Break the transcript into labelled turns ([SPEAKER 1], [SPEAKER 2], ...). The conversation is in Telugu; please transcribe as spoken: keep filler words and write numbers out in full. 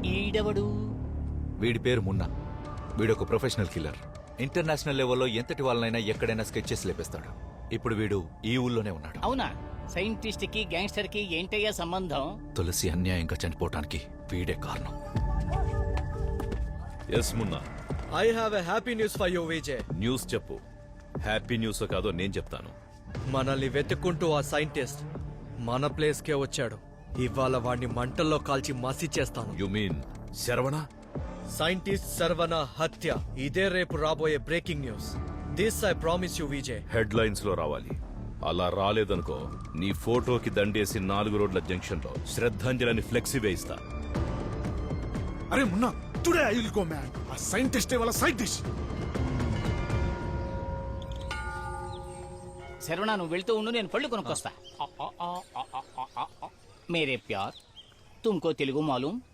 [SPEAKER 1] ఈడవడు?
[SPEAKER 2] వీడి పేరు మున్నా. వీడొక ప్రొఫెషనల్ కిల్లర్. ఇంటర్నేషనల్ లెవెల్లో ఎంతటి వాళ్ళనైనా ఎక్కడైనా స్కెచెస్ లేపేస్తాడు. ఇప్పుడు వీడు ఈ ఊళ్ళోనే ఉన్నాడు.
[SPEAKER 1] అవునా? సైంటిస్ట్ కి గ్యాంగ్స్టర్ కి ఏంటయ్యా సంబంధం?
[SPEAKER 2] తులసి అన్యాయంగా చనిపోవటానికి వీడే కారణం.
[SPEAKER 3] Yes Munna,
[SPEAKER 4] I have a happy news for you Vijay.
[SPEAKER 3] News చెప్పు. హ్యాపీ న్యూస్ కాదో నేను చెప్తాను.
[SPEAKER 4] మనల్ని వెతుక్కుంటూ ఆ సైంటిస్ట్ మన ప్లేస్ కే వచ్చాడు. ఇవాళ వాడిని మంటల్లో కాల్చి మసి చేస్తాను.
[SPEAKER 3] You mean Saravana?
[SPEAKER 4] Scientist Saravana హత్య, ఇదే రేపు రాబోయే breaking news. This I promise you Vijay.
[SPEAKER 3] Headlines లో రావాలి. అలా రాలేదనుకో, నీ ఫోటోకి దండేసి నాలుగు రోడ్ల జంక్షన్ లో శ్రద్ధాంజలిని ఫ్లెక్సీ వేయిస్తా.
[SPEAKER 5] అరే Munna, today I will go man. ఆ సైంటిస్ట్ వాళ్ళ సైంటిస్ట్.
[SPEAKER 1] శరవణ, నువ్వు వెళ్తూ ఉండు, నేను పళ్ళు కొనుక్కొస్తా. మేరే ప్యార్, తుమ్కో తెలుగు మాలూం?